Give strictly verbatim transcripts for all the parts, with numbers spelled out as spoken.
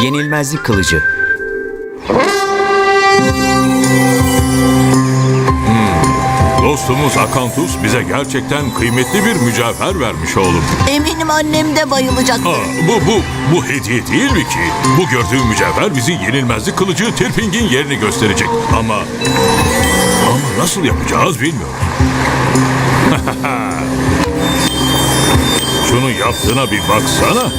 Yenilmezlik kılıcı. Dostumuz Akantus bize gerçekten kıymetli bir mücevher vermiş oğlum. Eminim annem de bayılacak. Aa, bu bu bu hediye değil mi ki? Bu gördüğün mücevher bizi yenilmezlik kılıcı Tirping'in yerini gösterecek. Ama ama nasıl yapacağız bilmiyorum. Şunu yaptığına bir baksana.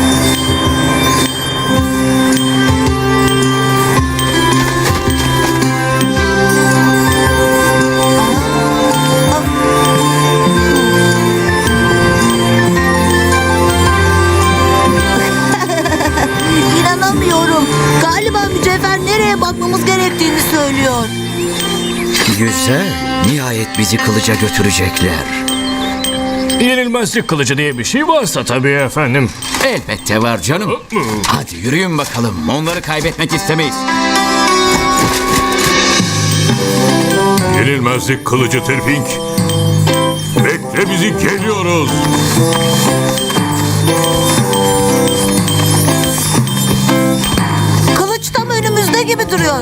İnanamıyorum. Galiba mücevher nereye bakmamız gerektiğini söylüyor. Güzel. Nihayet bizi kılıca götürecekler. Yenilmezlik kılıcı diye bir şey varsa tabii efendim. Elbette var canım. Hadi yürüyün bakalım. Onları kaybetmek istemeyiz. Yenilmezlik kılıcı Tirping. Bekle bizi, geliyoruz. Kılıç tam önümüzde gibi duruyor.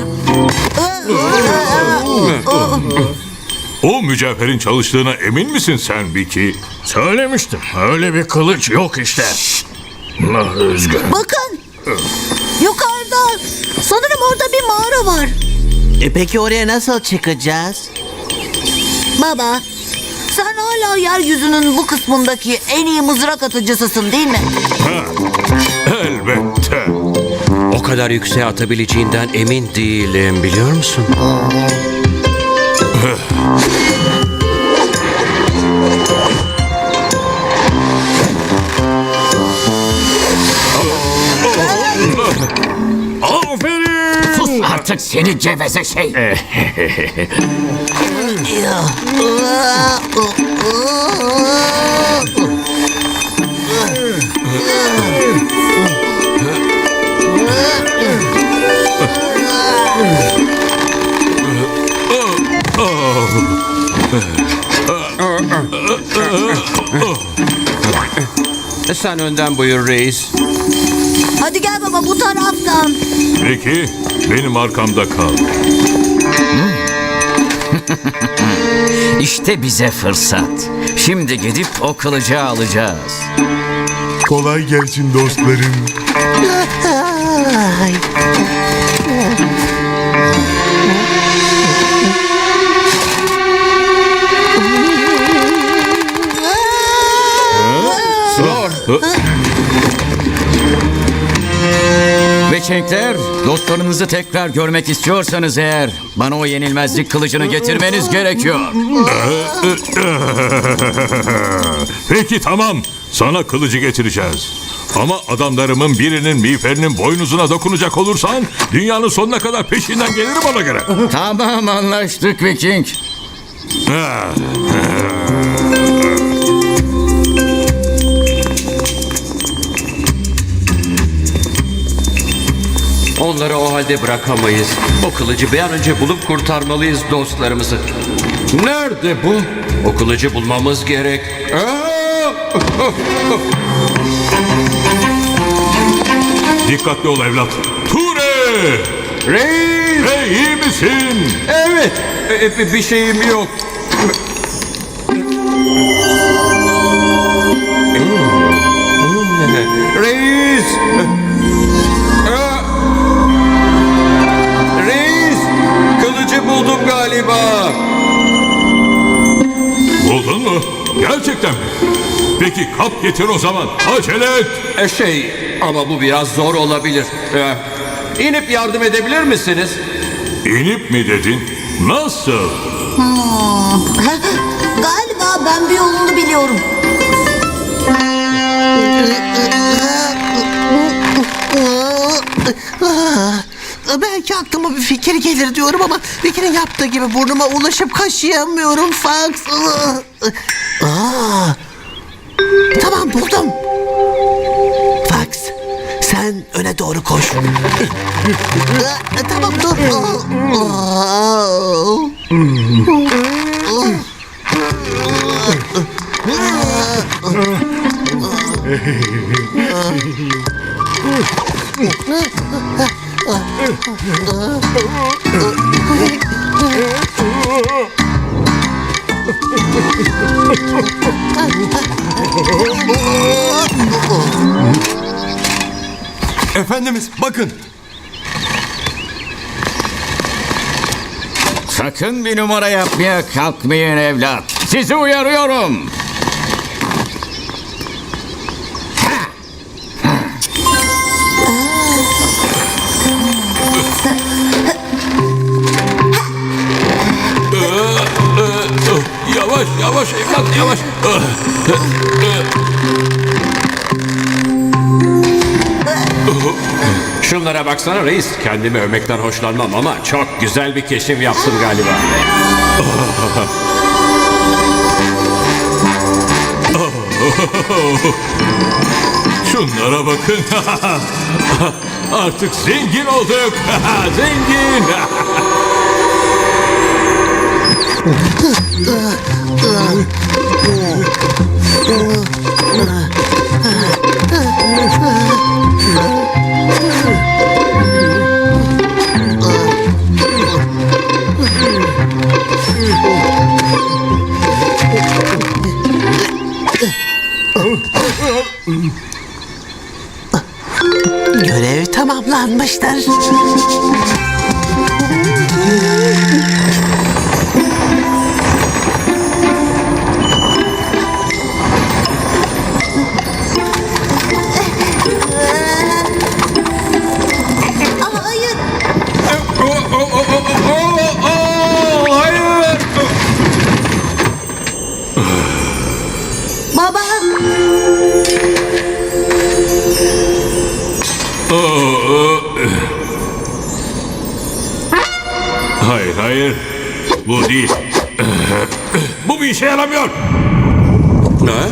O mücevherin çalıştığına emin misin sen Vicky? Söylemiştim. Öyle bir kılıç yok işte. Ah, üzgünüm. Bakın. Yukarıda. Sanırım orada bir mağara var. E peki oraya nasıl çıkacağız? Baba, sen hala yeryüzünün bu kısmındaki en iyi mızrak atıcısısın değil mi? Ha, elbette. O kadar yükseğe atabileceğinden emin değilim, biliyor musun? Aferin. Sus artık seni geveze şey. Sen önden buyur reis. Hadi gel baba bu taraftan. Vicky, benim arkamda kal. İşte bize fırsat. Şimdi gidip o kılıcı alacağız. Kolay gelsin dostlarım. Ay. Veçenkler, dostlarınızı tekrar görmek istiyorsanız eğer bana o yenilmezlik kılıcını getirmeniz gerekiyor. Peki tamam, sana kılıcı getireceğiz. Ama adamlarımın birinin miğferinin boynuzuna dokunacak olursan dünyanın sonuna kadar peşinden gelirim ona göre. Tamam, anlaştık Viking. Onları o halde bırakamayız. O kılıcı bir an önce bulup kurtarmalıyız dostlarımızı. Nerede bu? O kılıcı bulmamız gerek. Aa! Dikkatli ol evlat. Ture! Reis! Hey, iyi misin? Evet, e, bir şeyim yok. Reis! Aa! Reis! Kılıcı buldum galiba. Buldun mu? Gerçekten mi? Peki kap getir o zaman. Acele et. E, Şey, ama bu biraz zor olabilir. Ee, İnip yardım edebilir misiniz? İnip mi dedin? Nasıl? Galiba ben bir yolunu biliyorum. Belki aklıma bir fikir gelir diyorum ama Vicky'nin yaptığı gibi burnuma ulaşıp kaşıyamıyorum Fox. Aa, tamam buldum. Fox, sen öne doğru koş. Tamam dur. Efendimiz bakın. Sakın bir numara yapmaya kalkmayın evlat. Sizi uyarıyorum. Yavaş yavaş evlat yavaş. Şunlara baksana reis. Kendimi övmekten hoşlanmam ama çok güzel bir keşif yaptım galiba. Şunlara bakın. Artık zengin olduk. Zengin. Görev tamamlanmıştır. Aa, hayır. Baba. Hayır hayır. Bu değil. Bu bir işe yaramıyor. Ne?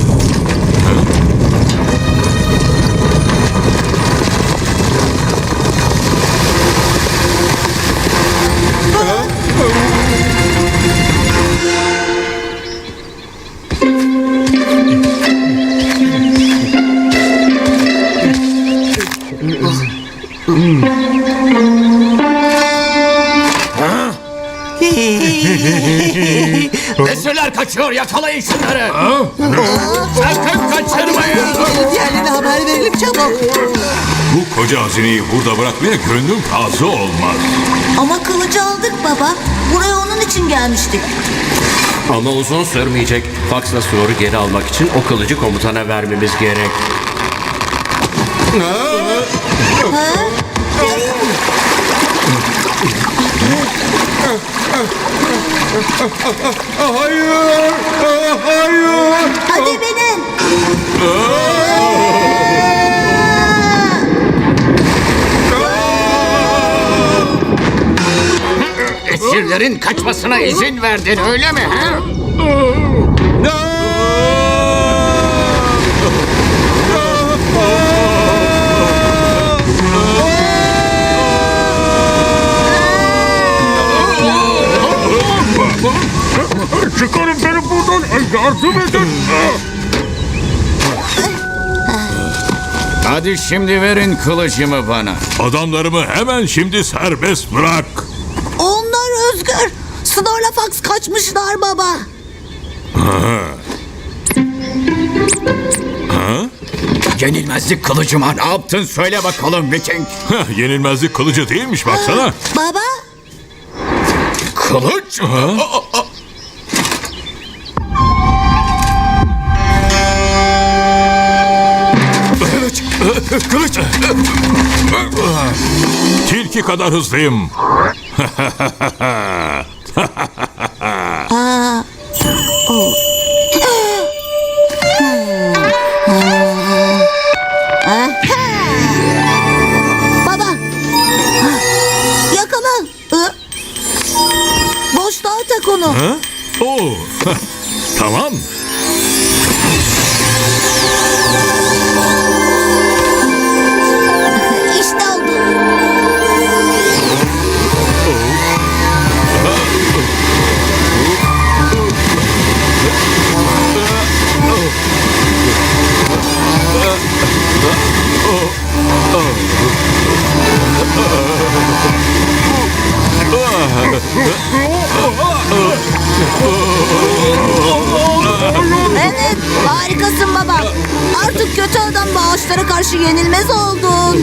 Esirler kaçıyor, yakalayın şunları. Sakın kaçırmayın. Diğerlerine haber verelim çabuk. Bu koca hazineyi burada bırakmaya gönlüm razı olmaz. Ama kılıcı aldık baba. Buraya onun için gelmiştik. Ama uzun sürmeyecek. Faksla soru geri almak için o kılıcı komutana vermemiz gerek. Hayır. Hayır. Hadi binin. Esirlerin kaçmasına izin verdin öyle mi? Ha? Çıkarın beni buradan. Yardım edin. Hadi şimdi verin kılıcımı bana. Adamlarımı hemen şimdi serbest bırak. Onlar özgür. Snorla Fox kaçmışlar baba. Yenilmezlik kılıcıma ne yaptın söyle bakalım Viking. Heh, yenilmezlik kılıcı değilmiş baksana. Baba. Kılıç? Kılıç! Kılıç! Tilki kadar hızlıyım. Baba. Yakala. Hı? Boşluğa tak onu. Ha? Oo. Tamam. İşte oldu. Oh. Evet, harikasın baba. Artık kötü adam ve ağaçlara karşı yenilmez oldun.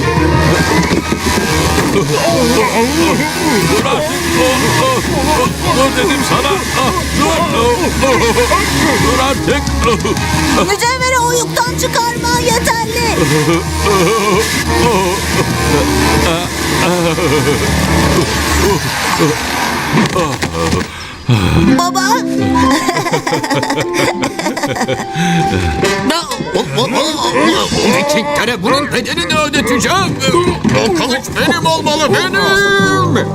Dur artık. Dur dedim sana. Dur. Dur artık. Mücevheri o yükten çıkarman yeterli. Baba. Vikinglere bunun bedelini ödeteceğim. O kılıç benim olmalı, benim.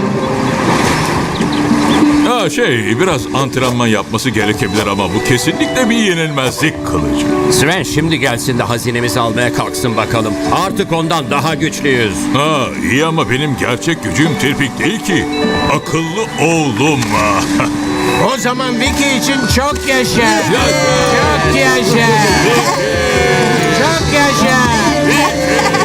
Ha şey biraz antrenman yapması gerekebilir ama bu kesinlikle bir yenilmezlik kılıcı. Sven şimdi gelsin de hazinemizi almaya kalksın bakalım. Artık ondan daha güçlüyüz. Ha iyi ama benim gerçek gücüm Tirpik değil ki. Akıllı oğlum. O zaman Vicky için çok yaşa. Çok yaşa. Çok yaşa.